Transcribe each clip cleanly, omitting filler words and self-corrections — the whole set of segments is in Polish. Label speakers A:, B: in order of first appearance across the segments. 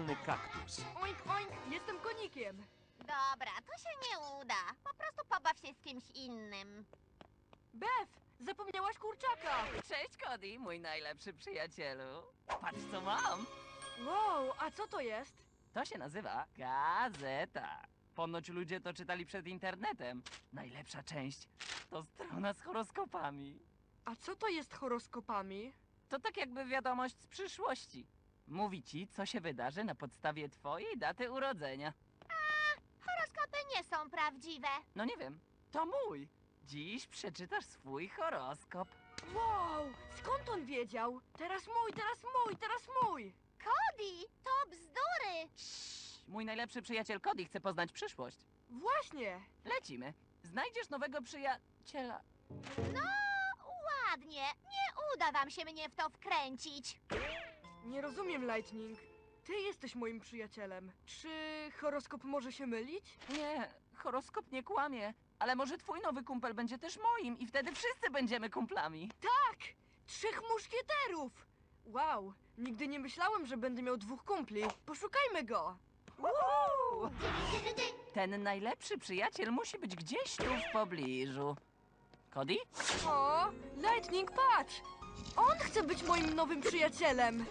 A: czerwony kaktus.
B: Oink, oink, jestem konikiem.
C: Dobra, to się nie uda. Po prostu pobaw się z kimś innym.
B: Bef, zapomniałaś kurczaka.
D: Cześć, Cody, mój najlepszy przyjacielu. Patrz, co mam.
B: Wow, a co to jest?
D: To się nazywa gazeta. Ponoć ludzie to czytali przed internetem. Najlepsza część to strona z horoskopami.
B: A co to jest horoskopami?
D: To tak jakby wiadomość z przyszłości. Mówi ci, co się wydarzy na podstawie twojej daty urodzenia.
C: Horoskopy nie są prawdziwe.
D: No nie wiem, to mój. Dziś przeczytasz swój horoskop.
B: Wow, skąd on wiedział? Teraz mój, teraz mój, teraz mój.
C: Cody, to bzdury.
D: Mój najlepszy przyjaciel Cody chce poznać przyszłość.
B: Właśnie.
D: Lecimy. Znajdziesz nowego przyjaciela.
C: No, ładnie. Nie uda wam się mnie w to wkręcić.
B: Nie rozumiem, Lightning. Ty jesteś moim przyjacielem. Czy horoskop może się mylić?
D: Nie, horoskop nie kłamie. Ale może twój nowy kumpel będzie też moim i wtedy wszyscy będziemy kumplami.
B: Tak! 3 muszkieterów! Wow, nigdy nie myślałem, że będę miał 2 kumpli. Poszukajmy go!
D: Woohoo! Ten najlepszy przyjaciel musi być gdzieś tu w pobliżu. Cody?
B: O, Lightning, patrz! On chce być moim nowym przyjacielem.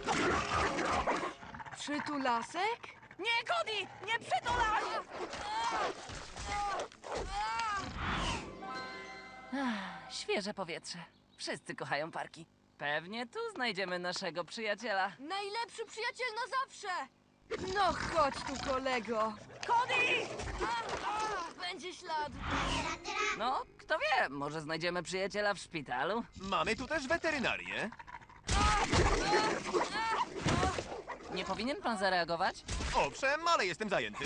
B: Przytulasek?
D: Nie, Cody! Nie przytulaj! Świeże powietrze. Wszyscy kochają parki. Pewnie tu znajdziemy naszego przyjaciela.
B: Najlepszy przyjaciel na zawsze! No chodź tu, kolego.
D: Cody!
B: Będzie ślad.
D: No, kto wie, może znajdziemy przyjaciela w szpitalu?
A: Mamy tu też weterynarię.
D: Nie powinien pan zareagować?
A: Owszem, ale jestem zajęty.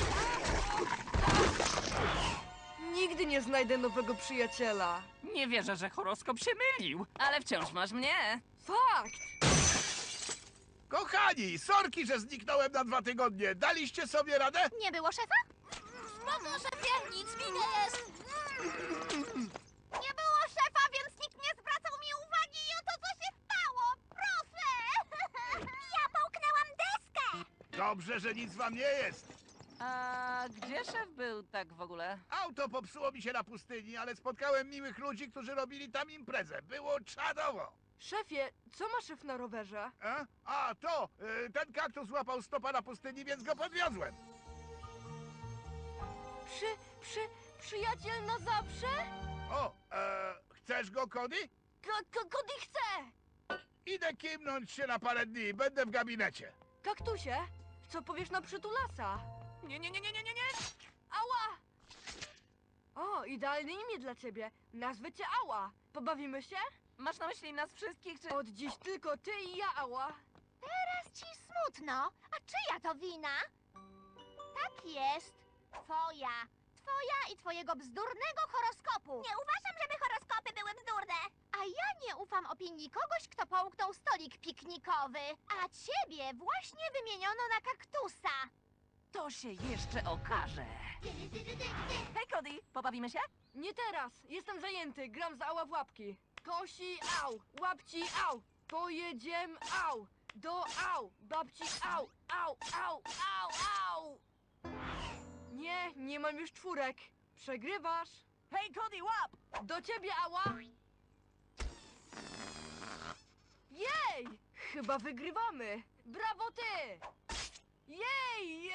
B: Nigdy nie znajdę nowego przyjaciela.
D: Nie wierzę, że horoskop się mylił, ale wciąż masz mnie.
B: Fakt!
E: Kochani, sorki, że zniknąłem na 2 tygodnie. Daliście sobie radę?
C: Nie było szefa? Spoko, szefie, nic mi nie jest. Nie było szefa, więc nikt nie zwracał mi uwagi i oto co się stało. Proszę! Ja połknęłam deskę.
E: Dobrze, że nic wam nie jest.
D: A gdzie szef był tak w ogóle?
E: Auto popsuło mi się na pustyni, ale spotkałem miłych ludzi, którzy robili tam imprezę. Było czadowo.
B: Szefie, co ma szef na rowerze?
E: Ten kaktus złapał stopa na pustyni, więc go podwiozłem.
B: Przyjaciel na zawsze?
E: Chcesz go, Cody?
B: Kody chce!
E: Idę kimnąć się na parę dni, będę w gabinecie.
B: Kaktusie, co powiesz na przytulasa?
D: Nie.
B: Ała! O, idealne imię dla ciebie. Nazwę cię Ała. Pobawimy się?
D: Masz na myśli nas wszystkich, czy...
B: Od dziś tylko ty i ja, Ała.
C: Teraz ci smutno. A czyja to wina? Tak jest. Twoja. Twoja i twojego bzdurnego horoskopu. Nie uważam, żeby horoskopy były bzdurne. A ja nie ufam opinii kogoś, kto połknął stolik piknikowy. A ciebie właśnie wymieniono na kaktusa.
D: To się jeszcze okaże. Hej, Cody, pobawimy się?
B: Nie teraz. Jestem zajęty. Gram z Ała w łapki. Kosi au, łapci au. Pojedziemy au. Do au, babci au, au, au, au, au. Nie mam już 4. Przegrywasz.
D: Hej, Cody, łap!
B: Do ciebie, Ała. Jej! Chyba wygrywamy. Brawo ty! Jej!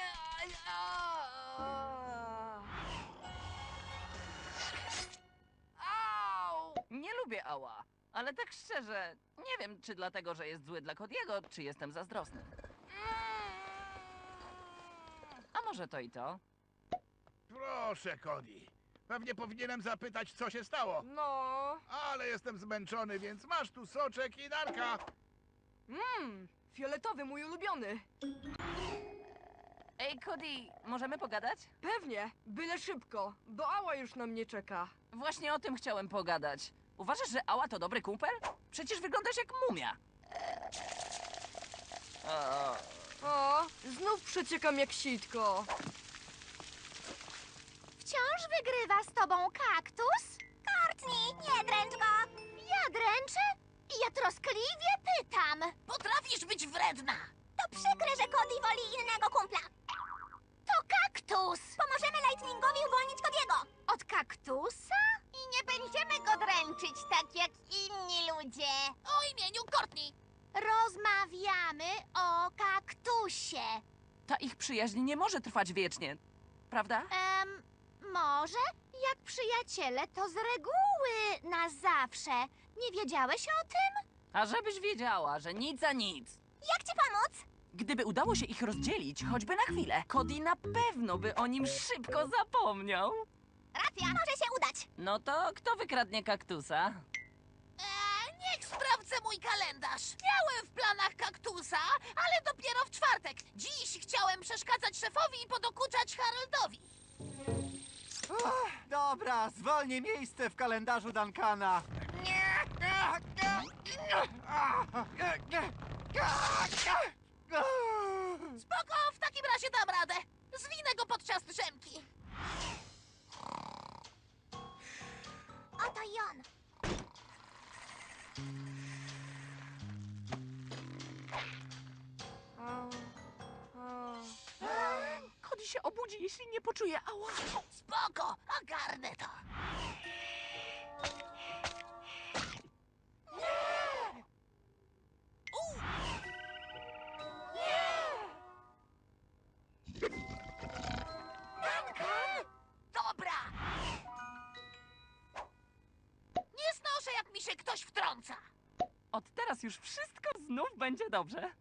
B: Au!
D: Nie lubię Ała, ale tak szczerze, nie wiem, czy dlatego, że jest zły dla Cody'ego, czy jestem zazdrosny. A może to i to?
E: Proszę, Cody. Pewnie powinienem zapytać, co się stało.
B: No.
E: Ale jestem zmęczony, więc masz tu soczek i narka.
B: Fioletowy, mój ulubiony.
D: Ej, Cody, możemy pogadać?
B: Pewnie, byle szybko, bo Ała już na mnie czeka.
D: Właśnie o tym chciałem pogadać. Uważasz, że Ała to dobry kumpel? Przecież wyglądasz jak mumia.
B: O, znów przeciekam jak sitko.
C: Wciąż wygrywa z tobą kaktus? Courtney, nie dręcz go! Ja dręczę? Ja troskliwie pytam.
F: Potrafisz być wredna!
C: To przykre, że Cody woli innego kumpla. kaktusa? I nie będziemy go dręczyć tak jak inni ludzie. O imieniu Courtney. Rozmawiamy o kaktusie.
D: Ta ich przyjaźń nie może trwać wiecznie, prawda?
C: Może? Jak przyjaciele, to z reguły na zawsze. Nie wiedziałeś o tym?
D: A żebyś wiedziała, że nic za nic.
C: Jak ci pomóc?
D: Gdyby udało się ich rozdzielić, choćby na chwilę, Cody na pewno by o nim szybko zapomniał.
C: Racja, może się udać.
D: No to kto wykradnie kaktusa?
C: Niech sprawdzę mój kalendarz. Miałem w planach kaktusa, ale dopiero w czwartek. Dziś chciałem przeszkadzać szefowi i podokuczać Haroldowi.
A: Dobra, zwolnij miejsce w kalendarzu Duncana.
C: Spoko, w takim razie dam radę. Zwinę go podczas drzemki. Oto i on.
D: Cody się obudzi, jeśli nie poczuje ała.
C: Spoko, ogarnę to. Dobra! Nie znoszę, jak mi się ktoś wtrąca.
D: Od teraz już wszystko znów będzie dobrze.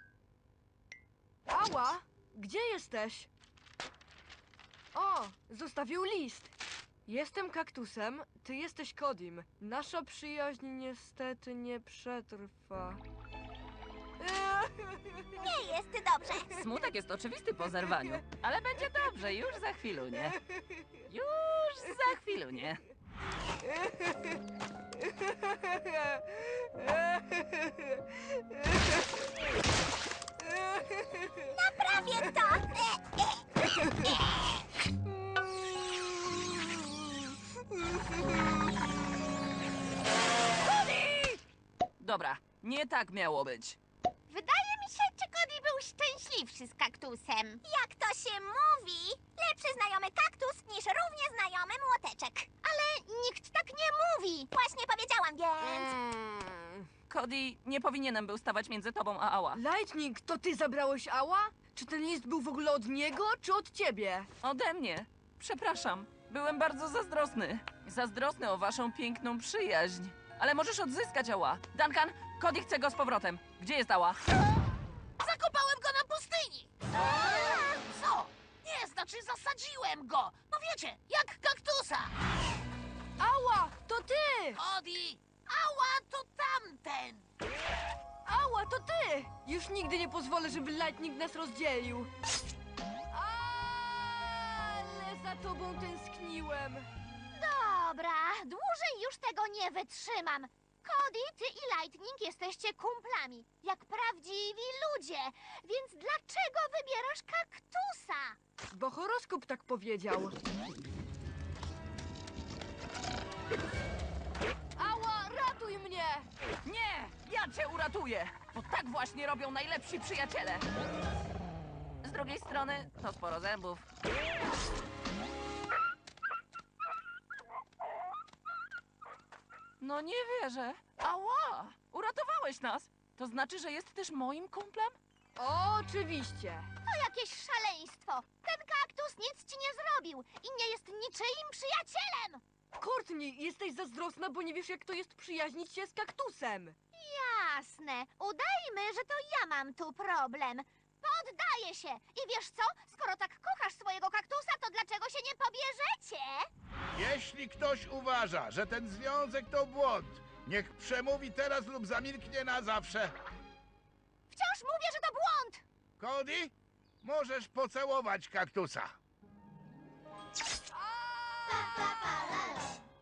B: Ała! Gdzie jesteś? O, zostawił list. Jestem kaktusem, ty jesteś Codym. Nasza przyjaźń niestety nie przetrwa.
C: Nie jest dobrze.
D: Smutek jest oczywisty po zerwaniu, ale będzie dobrze, już za chwilunię. Już za chwilunię.
C: Naprawię to!
D: Dobra, nie tak miało być.
C: Wydaje mi się, że Cody był szczęśliwszy z kaktusem. Jak to się mówi? Lepszy znajomy kaktus niż równie znajomy młoteczek. Ale nikt tak nie mówi. Właśnie powiedziałam, więc...
D: Cody, nie powinienem był stawać między tobą a ała.
B: Lightning, to ty zabrałeś Ała? Czy ten list był w ogóle od niego, czy od ciebie?
D: Ode mnie. Przepraszam, byłem bardzo zazdrosny. Zazdrosny o waszą piękną przyjaźń. Ale możesz odzyskać ała. Duncan, Cody chce go z powrotem. Gdzie jest ała?
C: Zakopałem go na pustyni! Co? Nie, znaczy zasadziłem go! No wiecie, jak kaktusa!
B: Ała, to ty!
C: Cody! Ała, to tamten!
B: Ała, to ty! Już nigdy nie pozwolę, żeby Lightning nas rozdzielił. Ale za tobą tęskniłem.
C: Dobra, dłużej już tego nie wytrzymam. Cody, ty i Lightning jesteście kumplami, jak prawdziwi ludzie. Więc dlaczego wybierasz kaktusa?
B: Bo horoskop tak powiedział. Ała, ratuj mnie!
D: Nie! Ja cię uratuję! Bo tak właśnie robią najlepsi przyjaciele. Z drugiej strony to sporo zębów. No nie wierzę. Ała! Uratowałeś nas! To znaczy, że jest też moim kumplem?
B: Oczywiście.
C: To jakieś szaleństwo. Ten kaktus nic ci nie zrobił i nie jest niczyim przyjacielem.
B: Courtney, jesteś zazdrosna, bo nie wiesz, jak to jest przyjaźnić się z kaktusem.
C: Jasne. Udajmy, że to ja mam tu problem. Poddaję się. I wiesz co? Skoro tak kochasz swojego kaktusa, to dlaczego się nie pobierzecie?
E: Jeśli ktoś uważa, że ten związek to błąd, niech przemówi teraz lub zamilknie na zawsze.
C: Wciąż mówię, że to błąd.
E: Cody, możesz pocałować kaktusa.
C: Pa, pa, pa, la, la.